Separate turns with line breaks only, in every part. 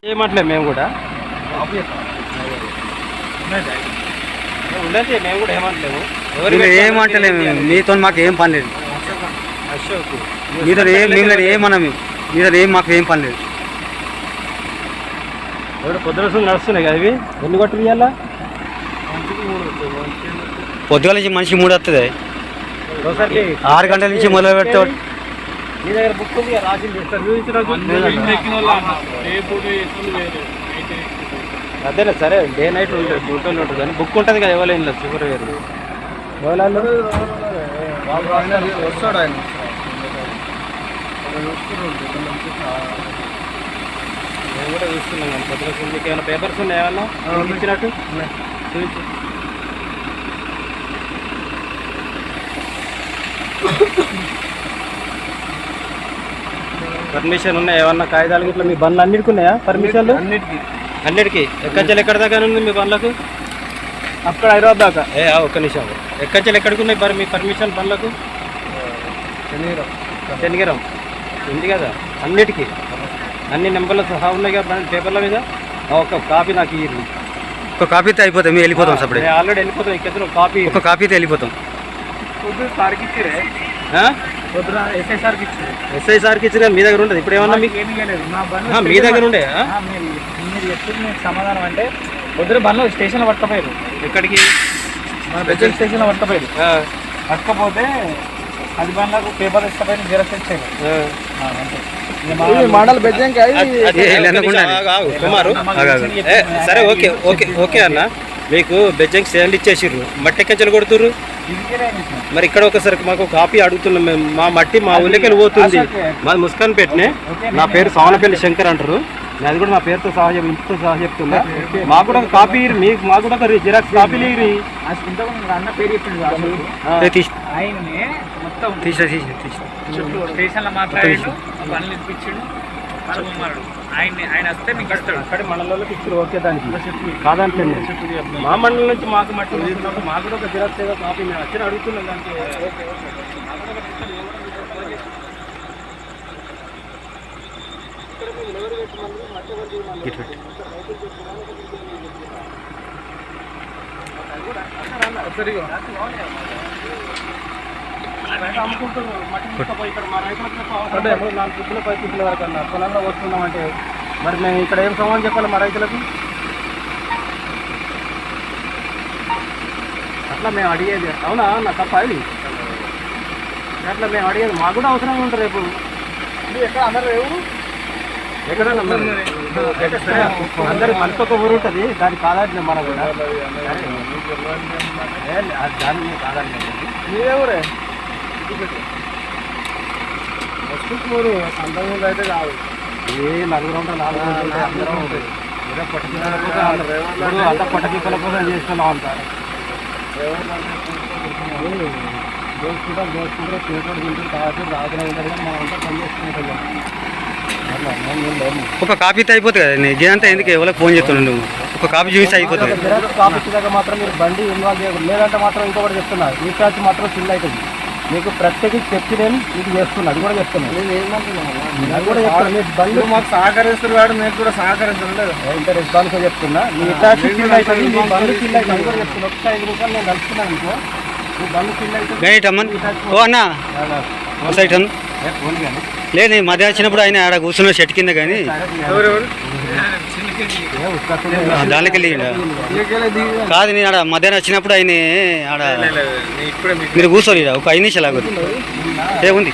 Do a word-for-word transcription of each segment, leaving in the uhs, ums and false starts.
ఏమట్లే మేము కూడా ఉండదు, మేము కూడా ఏమంటలేము.
ఏమంటలేము, మీతో మాకు ఏం పని లేదు.
అశోక్
మీతో ఏం మిమ్మల్ని ఏమన్నా మీతో ఏం మాకు ఏం పని లేదు.
ఎవరు పొద్దున నడుస్తున్నాయి కదా ఇవి. ఎన్ని కొట్టు ఇవ్వాలా?
పొద్దుగాల నుంచి మనిషి మూడు వస్తుంది.
ఒకసారి
ఆరు గంటల నుంచి మొదలు పెడతాడు.
మీ దగ్గర బుక్ ఉంది రాసింది అదేనా? సరే డే నైట్ ఉంటుంది, డ్యూటీలో ఉంటుంది కానీ బుక్ ఉంటుంది కదా. ఎవరైనా సూపర్ గారు ఎవరు
వస్తాడు ఆయన.
మేము కూడా చూస్తున్నాం కానీ పొద్దున మీకు ఏమైనా పేపర్స్ ఉన్నాయి ఏమన్నా ఇచ్చినట్టు చూపించి. పర్మిషన్ ఉన్నాయి ఏమన్నా కాగితాలు ఇట్లా? మీ బండ్లు అన్నిటికి ఉన్నాయా పర్మిషన్లు?
అన్నిటికీ
అన్నిటికీ. ఎక్కడి ఎక్కడ దాకా ఉంది మీ బండ్లకు?
అక్కడ హైదరాబాద్ దాకా.
ఏ ఒక్క నిమిషం, ఎక్కడి ఎక్కడికి ఉన్నాయి మరి మీ పర్మిషన్ బండ్లకు?
శనిగిరం
శనిగిరం ఉంది కదా అన్నిటికీ. అన్ని నెంబర్లు సహా ఉన్నాయి కదా పేపర్ల మీద. ఒక కాపీ నాకు ఇయ్యి.
ఒక కాపీతో అయిపోతాం, మేము వెళ్ళిపోతాం. సపడే
ఆల్రెడీ వెళ్ళిపోతాం. ఇక్కడ కాపీ
ఒక కాపీతో వెళ్ళిపోతాం.
పొద్దున సార్కి ఇచ్చిరే, పొద్దున ఎస్ఐ సార్కి ఇచ్చారు.
ఎస్ఐ సార్కి ఇచ్చిన మీ దగ్గర ఉంటుంది. ఇప్పుడు ఏమన్నా మీకు
ఏమీ లేదు. మా బండ్లు
మీ దగ్గర ఉండే
మీరు మీరు చెప్పింది మీకు సమాధానం అంటే పొద్దున బండ్లు స్టేషన్లో పట్టకపోయారు.
ఎక్కడికి?
మన బెజల్ స్టేషన్లో పట్టకపోయారు. పట్టకపోతే అది బండ్లకు పేపర్ ఇష్టపైన జిరాక్స్ ఇచ్చారు. మండల బెజ్జంకి
కుమారు సరే ఓకే ఓకే ఓకే అన్న. మీకు బెజ్జంకి సేవలు ఇచ్చేసిర్రు, మట్టి ఎక్కచెలు కొడుతుర్రు. మరి ఇక్కడ ఒకసారి మాకు కాపీ అడుగుతున్నాం మేము. మా మట్టి మా ఊళ్ళకెళ్ళి పోతుంది. మాది ముస్కాన్ పెట్టినే. నా పేరు సోనపల్లి శంకర్ అంటారు. అది కూడా నా పేరుతో సహా ఇంటితో సహా చెప్తున్నా. మాకు కూడా ఒక కాపీ మీకు మాకు కూడా ఒక జిరాక్స్ కాపీలు ఇరి.
అన్న పేరు చెప్పింది మొత్తం స్టేషన్లో మాట్లాడాడు, బండ్లు ఇప్పించాడు. ఆయన ఆయన వస్తే మీకు ఇస్తాడు.
అక్కడ మండలంలోకి ఇచ్చారు. ఓకే దానికి కాదంటే మా మండలం నుంచి మాకు మట్టి మాకు కూడా ఒక జిరాక్స్ ఏదో కాపీ మేము వచ్చి అడుగుతున్నాం దానికి. అమ్ముకుంటున్నారు మట్టి తీసుకుపోయి ఇక్కడ మా రైతులకు నాలుగు ఫుడ్ల పై ఫుడ్ల వరకు అన్న పొలంలో వస్తున్నామంటే మరి మేము ఇక్కడ ఏం సమాధానం చెప్పాలి మా రైతులకు? అట్లా మేము అడిగేది అవునా నా తప్ప అది. అట్లా మేము అడిగేది మాకు కూడా అవసరంగా ఉంటుంది. రేపు
ఎక్కడ అందరు రేవు
ఎక్కడన్నా అందరికి మనకు ఒక ఊరు ఉంటుంది. దానికి కాదండి మన కూడా దాన్ని కాదండి.
మీరే ఊరే
ఊరు అంతకుముందు అయితే కాదు. ఏ నలుగురు ఉంటారు, నాలుగు ఉంటాయి, అందరం ఉంటుంది. ఏదో పట్టుకున్న అంతా పట్టకిక్కల కోసం చేస్తున్నాం అంతా. దోసుకుంటాం దోసుకుంటారు చేతులు తింటారు తాగుతారు రాత్రి ఉంటారు కానీ మనం అంతా పని చేసుకుంటాం.
ఒక కాపీతో అయిపోతుంది కదా. ఇదంతా ఎందుకు ఎవరికి ఫోన్ చేస్తున్నాను? నువ్వు ఒక కాపీ చూసి అయిపోతుంది.
కాపీ ఇచ్చేదాకా మాత్రం మీరు బండి ఇన్వాల్వ్ చేయకూడదు. లేదంటే మాత్రం ఇంకొకటి చెప్తున్నా, రీఛార్జ్ మాత్రం ఫిల్ అవుతుంది. మీకు ప్రత్యేకించి చెప్పి నేను మీకు చేస్తున్నా. అది కూడా చెప్తున్నాను. నేను ఏమంటున్నాను అది కూడా చెప్తాను. మీ బండి
మాకు సహకరిస్తారు వాడు మీకు కూడా సహకరిస్తాను లేదు.
ఇంత రెస్పాన్స్గా చెప్తున్నా. మీ రీఛార్జ్ ఫిల్ అవుతుంది, మీ బండి ఫిల్ అవుతుంది. అది కూడా చెప్తున్నా. ఒకసారి ఐదు రూపాయలు నేను కలుపుతున్నాను అనుకో, మీ బండి ఫిల్ అవుతుంది.
ఓ అన్న సైట్ అన్న లేదు, నేను మధ్య వచ్చినప్పుడు ఆయన ఆడ కూర్చున్న చెట్టు కింద కానీ దానికి వెళ్ళి కాదు. నేను ఆడ మధ్యాహ్నం వచ్చినప్పుడు ఆయన ఆడ మీరు కూర్చోరు ఒక ఐదు నిమిషాలు ఆగదు ఏముంది.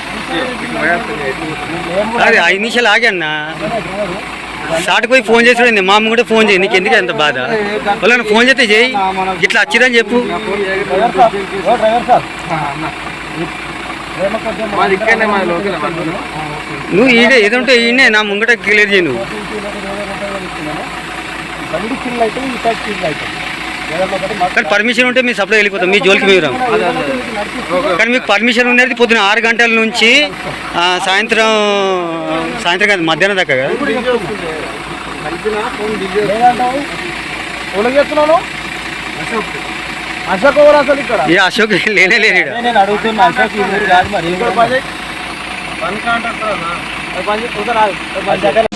అది ఐదు నిమిషాలు ఆగి అన్న స్టార్ట్ పోయి ఫోన్ చేసి మా అమ్మ కూడా ఫోన్ చేయి. నీకు ఎందుకు ఎంత బాధ? వాళ్ళని ఫోన్ చేస్తే చేయి, ఇట్లా వచ్చిందని చెప్పు. నువ్వు ఈడే ఏదంటే ఈయనే నా ముంగట క్లియర్ చేయి. నువ్వు కానీ పర్మిషన్ ఉంటే మీ సప్లై వెళ్ళిపోతాం, మీ జోలికి మీరు రాము. కానీ మీకు పర్మిషన్ ఉండేది పొద్దున ఆరు గంటల నుంచి సాయంత్రం సాయంత్రం కాదు మధ్యాహ్నం దాకా కదా.
అశోక్ ఎవరు అసలు ఇక్కడ?
ఏ అశోక్ లేనే లేని
నేను అడుగుతున్నా. అశోక్ ఈ ఊరు కాదు మరి.